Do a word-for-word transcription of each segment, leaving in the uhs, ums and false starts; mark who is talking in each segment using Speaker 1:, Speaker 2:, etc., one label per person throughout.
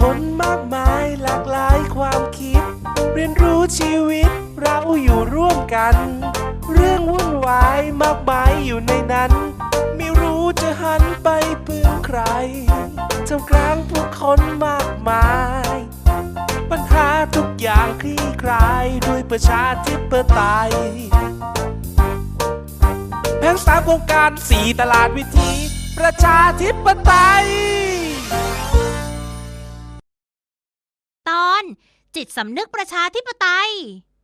Speaker 1: คนมากมายหลากหลายความคิดเรียนรู้ชีวิตเราอยู่ร่วมกันเรื่องวุ่นวายมากมายอยู่ในนั้นไม่รู้จะหันไปพึ่งใครท่ามกลางผู้คนมากมายปัญหาทุกอย่างคลี่คลายด้วยประชาธิปไตยแผนสามโครงการสี่ตลาดวิถีประชาธิปไตย
Speaker 2: ตอนจิตสำนึกประชาธิปไตย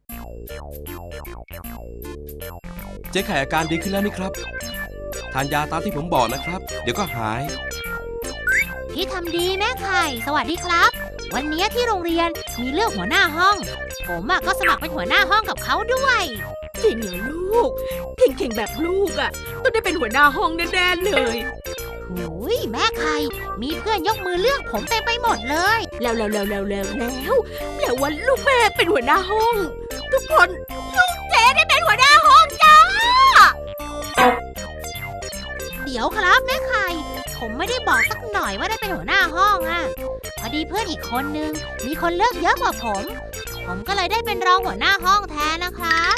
Speaker 3: เจ๊ไข่อาการดีขึ้นแล้วนี่ครับทานยาตามที่ผมบอกนะครับเดี๋ยวก็หาย
Speaker 2: พี่ทำดีแม่ไข่สวัสดีครับวันนี้ที่โรงเรียนมีเลือกหัวหน้าห้องผมก็สมัครเป็นหัวหน้าห้องกับเขาด้วย
Speaker 4: จริงเหรอลูกเก่งๆแบบลูกอ่ะต้องได้เป็นหัวหน้าห้องแน่ๆเลย
Speaker 2: หูยแม่ไข่มีเพื่อนยกมือเลือกผมเต็มไปหมดเลย
Speaker 4: แล้วแล้วแล้วแล้วแล้วแล้วแปลว่าลูกแม่เป็นหัวหน้าห้องทุกคนลูกเจ๊ได้เป็นหัวหน้าห้องจ้า
Speaker 2: เดี๋ยวครับแม่ไข่ผมไม่ได้บอกสักหน่อยว่าได้เป็นหัวหน้าห้องอ่ะพอดีเพื่อนอีกคนนึงมีคนเลือกเยอะกว่าผมผมก็เลยได้เป็นรองหัวหน้าห้องแทนนะครับ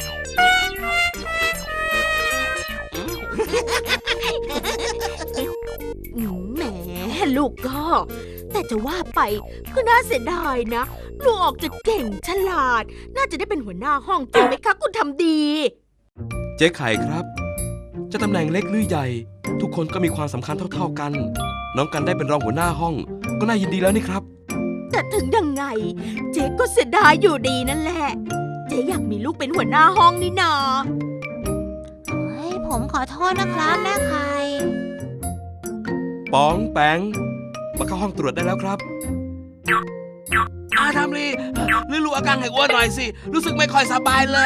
Speaker 4: แหมลูกก็แต่จะว่าไปก็น่าเสียดายนะลูกออกจะเก่งฉลาดน่าจะได้เป็นหัวหน้าห้องจริงไหมคะคุณทำดี
Speaker 3: เจ๊ไข่ครับจะตำแหน่งเล็กหรือใหญ่ทุกคนก็มีความสำคัญเท่าๆกันน้องกันได้เป็นรองหัวหน้าห้องก็น่ายินดีแล้วนี่ครับ
Speaker 4: แต่ถึงยังไงเจ๊ก็เสียดายอยู่ดีนั่นแหละเจ๊อยากมีลูกเป็นหัวหน้าห้องนี่นา
Speaker 2: เฮ้ยผมขอโทษนะครับแม่ไข่
Speaker 3: ป๋องแปงมาเข้าห้องตรวจได้แล้วครับ
Speaker 5: อาทำลีลือรู้อาการให้อ้วนหน่อยสิรู้สึกไม่ค่อยสบายเลย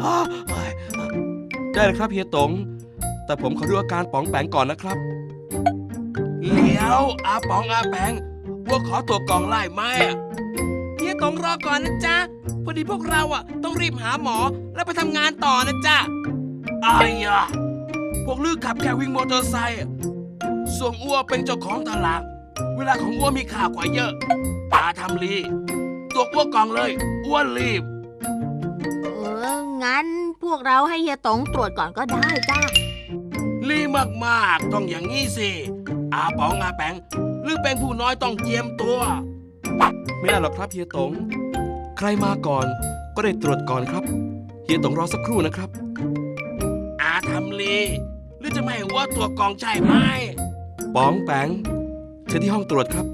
Speaker 3: ได้เลยครับเฮียตงแต่ผมขอดูอาการป๋องแปงก่อนนะครับ
Speaker 5: เลี้ยวอาป๋องอาแปงพวกขอตัวกล่องไล่ไหมเฮียตงรอก่อนนะจ๊ะพอดีพวกเราอ่ะต้องรีบหาหมอแล้วไปทำงานต่อนะจ๊ะอ้ายอะพวกลือขับแค่วิ่งมอเตอร์ไซค์ส่วนอ้วเป็นเจ้าของตลาดเวลาของอ้วมีค่ากว่าเยอะอาทำลีตัวอ้วกล่องเลยอ้วนรีบ
Speaker 4: เอองั้นพวกเราให้เฮียตงตรวจก่อนก็ได้จ้า
Speaker 5: รีบมากๆต้องอย่างนี้สิอาป๋องอาแปงหรือเป็นผู้น้อยต้องเจียมตัว
Speaker 3: ไม่ได้หรอกครับเฮียตงใครมาก่อนก็ได้ตรวจก่อนครับเฮียตงรอสักครู่นะครับ
Speaker 5: อาทำลีหรือจะไม่ว่าตัวกองใช่ไหม
Speaker 3: ป๋องแปงเชิญที่ห้องตรวจครับ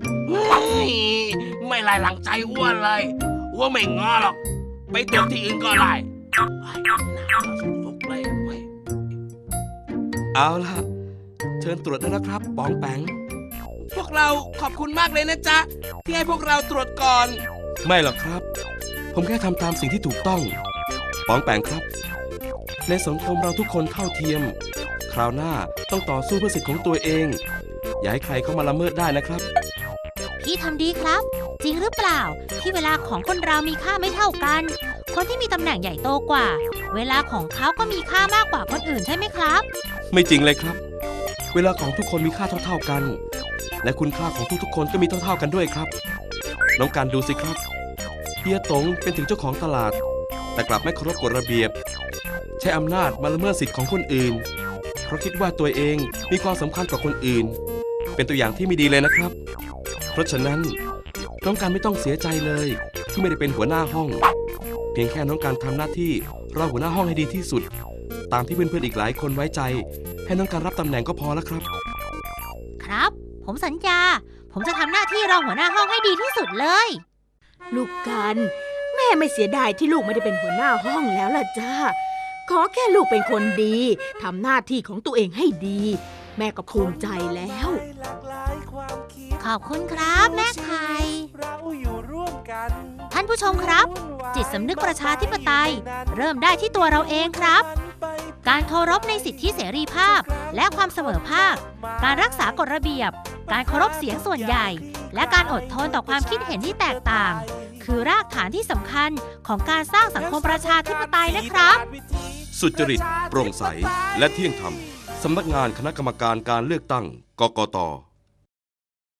Speaker 5: ไม่ไล่หลังใจอ้วนเลยอ้วนไม่งอหรอกไปตรวจที่อื่นก็ได้
Speaker 3: เอาล่ะเชิญตรวจได้แล้วครับป๋องแปง
Speaker 5: พวกเราขอบคุณมากเลยนะจ๊ะที่ให้พวกเราตรวจก่อน
Speaker 3: ไม่หรอกครับผมแค่ทำตามสิ่งที่ถูกต้องป๋องแปงครับในสังคมเราทุกคนเท่าเทียมคราวหน้าต้องต่อสู้เพื่อสิทธิ์ของตัวเองอย่าให้ใครเข้ามาละเมิดได้นะครับ
Speaker 2: พี่ทำดีครับจริงหรือเปล่าที่เวลาของคนเรามีค่าไม่เท่ากันคนที่มีตำแหน่งใหญ่โตกว่าเวลาของเขาก็มีค่ามากกว่าคนอื่นใช่ไหมครับ
Speaker 3: ไม่จริงเลยครับเวลาของทุกคนมีค่าเท่าๆกันและคุณค่าของทุกๆคนก็มีเท่าๆกันด้วยครับน้องการดูสิครับเฮียตงเป็นถึงเจ้าของตลาดแต่กลับไม่เคารพกฎระเบียบใช้อำนาจมาละเมิดสิทธิ์ของคนอื่นเพราะคิดว่าตัวเองมีความสำคัญกว่าคนอื่นเป็นตัวอย่างที่ไม่ดีเลยนะครับเพราะฉะนั้นน้องการไม่ต้องเสียใจเลยที่ไม่ได้เป็นหัวหน้าห้องเพียงแค่น้องการทำหน้าที่รองหัวหน้าห้องให้ดีที่สุดตามที่เพื่อนๆอีกหลายคนไว้ใจให้น้องการรับตำแหน่งก็พอแล้วครับ
Speaker 2: ครับผมสัญญาผมจะทำหน้าที่รองหัวหน้าห้องให้ดีที่สุดเลย
Speaker 4: ลูกกันแม่ไม่เสียดายที่ลูกไม่ได้เป็นหัวหน้าห้องแล้วล่ะจ้าขอแค่ลูกเป็นคนดีทำหน้าที่ของตัวเองให้ดีแม่ก็ภูมิใจแล้ว
Speaker 2: ขอบคุณครับแม่ไข่ท่านผู้ชมครับจิตสำนึกประชาธิปไตยเริ่มได้ที่ตัวเราเองครับการเคารพในสิทธิเสรีภาพและความเสมอภาคการรักษากฎระเบียบการเคารพเสียงส่วนใหญ่และการอดทนต่อความคิดเห็นที่แตกต่างคือรากฐานที่สำคัญของการสร้างสังคมประชาธิปไตยนะครับ
Speaker 3: สุจริตโปร่งใสและเที่ยงธรรมสำนักงานคณะกรรมการการเลือกตั้งกกต